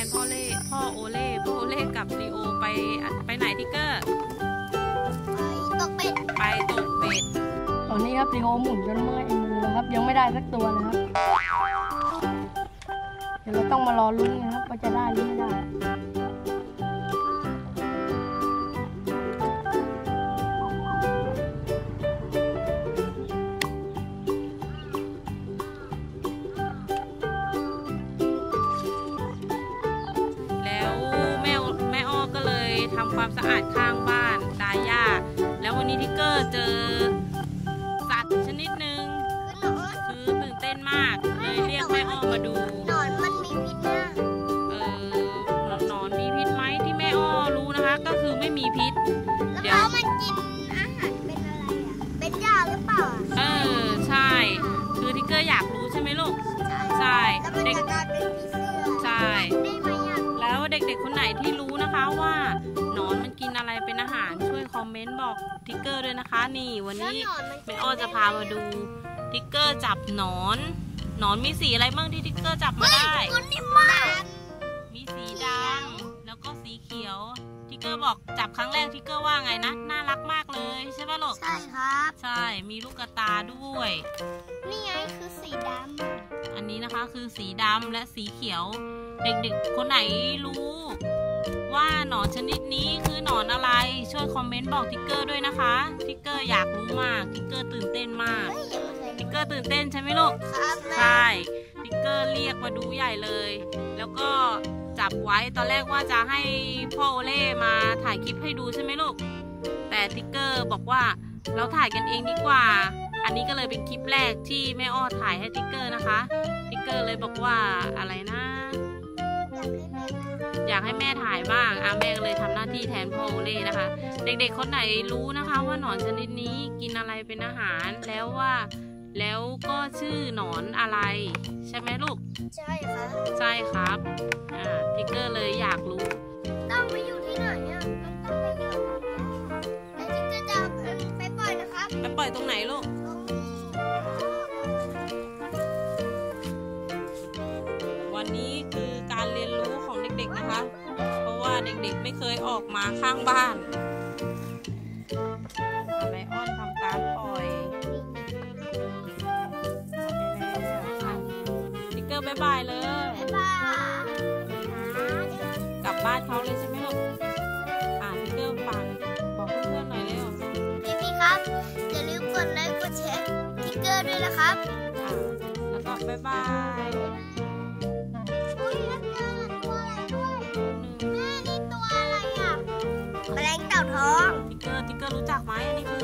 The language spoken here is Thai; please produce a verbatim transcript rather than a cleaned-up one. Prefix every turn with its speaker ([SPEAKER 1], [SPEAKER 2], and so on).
[SPEAKER 1] นพ่อเล่พ่อโอเล่พ่อโอเล่กับลีโอไปไปไหนทิกเกอร์
[SPEAKER 2] ไปตกเป็ด
[SPEAKER 1] ไปตกเป็ด
[SPEAKER 3] ตอนนี้ครับลีโอหมุนจนเมื่อยมือแล้วครับยังไม่ได้สักตัวนะครับเดี๋ยวเราต้องมารอลุ้นนะครับว่าจะได้หรือไม่ได้
[SPEAKER 1] ทำความสะอาดข้างบ้านดาย่าแล้ววันนี้ทิกเกอร์เจอสัตว์ชนิดหนึ่งคือตื่นเต้นมากเลยเรียกแม่อ้อมาดู
[SPEAKER 2] หนอนมันมีพิษนะ
[SPEAKER 1] เออหนอนมีพิษไหมที่แม่อ้อรู้นะคะก็คือไม่มีพิษ
[SPEAKER 2] เดี๋ยวมันกินอาหารเป็นอะไรอ่ะเป็นหญ้าหรือเปล่า
[SPEAKER 1] เออใช่คือทิกเกอร์อยากรู้ใช่ไหมลูกใช่
[SPEAKER 2] เด็ก
[SPEAKER 1] ใช่แล้วเด็กๆคนไหนที่รู้นะคะว่าหนอนมันกินอะไรเป็นอาหารช่วยคอมเมนต์บอกทิกเกอร์ด้วยนะคะนี่วันนี้แม่อ้อจะพามาดูทิกเกอร์จับหนอนหนอนมีสีอะไรบ้างที่ทิกเกอร์จับมาได้มีสีดำแล้วก็สีเขียวทิกเกอร์บอกจับครั้งแรกทิกเกอร์ว่าไงนะน่ารักมากเลยใช่ป่ะลูก
[SPEAKER 2] ใช่ครับ
[SPEAKER 1] ใช่มีลูกกระตาด้วย
[SPEAKER 2] นี่ไงคือสีดำ
[SPEAKER 1] อันนี้นะคะคือสีดำและสีเขียวเด็กๆคนไหนรู้ว่าหนอนชนิดนี้คือหนอนอะไรช่วยคอมเมนต์บอกทิกเกอร์ด้วยนะคะทิกเกอร์อยากรู้มากทิกเกอร์ตื่นเต้นมากทิกเกอร์ตื่นเต้นใช่ไหมลูกใช่ทิกเกอร์เรียกมาดูใหญ่เลยแล้วก็จับไว้ตอนแรกว่าจะให้พ่อโอเล่มาถ่ายคลิปให้ดูใช่ไหมลูกแต่ทิกเกอร์บอกว่าเราถ่ายกันเองดีกว่าอันนี้ก็เลยเป็นคลิปแรกที่แม่อ้อถ่ายให้ทิกเกอร์นะคะทิกเกอร์เลยบอกว่าอะไรนะอยากให้แม่ถ่ายบ้างอาแม่ก็เลยทำหน้าที่แทนพ่อโอเล่นะคะเด็กๆคนไหนรู้นะคะว่าหนอนชนิดนี้กินอะไรเป็นอาหารแล้วว่าแล้วก็ชื่อหนอนอะไรใช่ไหมลูก
[SPEAKER 2] ใช่ครับ
[SPEAKER 1] ใช่ครับอ่าทิกเกอร์เลยอยากรู้
[SPEAKER 2] ต้องไปอยู่ที่ไหนอ่ะมันต้องไปอยู่แล้วทิกเกอร์จะไปปล่อยนะครับ
[SPEAKER 1] ไปปล่อยตรงไหนลูกวันนี้คือการเรียนรู้ของเด็กๆนะคะเพราะว่าเด็กๆไม่เคยออกมาข้างบ้านแม่อ้อนทำการปล่อยทิกเกอร์บ๊ายบายเลย
[SPEAKER 2] บ๊ายบาย
[SPEAKER 1] กลับบ้านเขาเลยใช่ไหมลูกอ่านทิกเกอร์ฟังบอกเพื่อนๆหน่อยเร็ว
[SPEAKER 2] พี่ๆครับอย่าลืมกดไลค์กดแชร์ทิกเกอร์ด้วยนะครับ
[SPEAKER 1] อ่าแล้วก็บ๊ายบาย
[SPEAKER 2] แมลงเต่าทอง
[SPEAKER 1] ทิกเกอร์ทิกเกอร์รู้จักไหมอันนี้คือ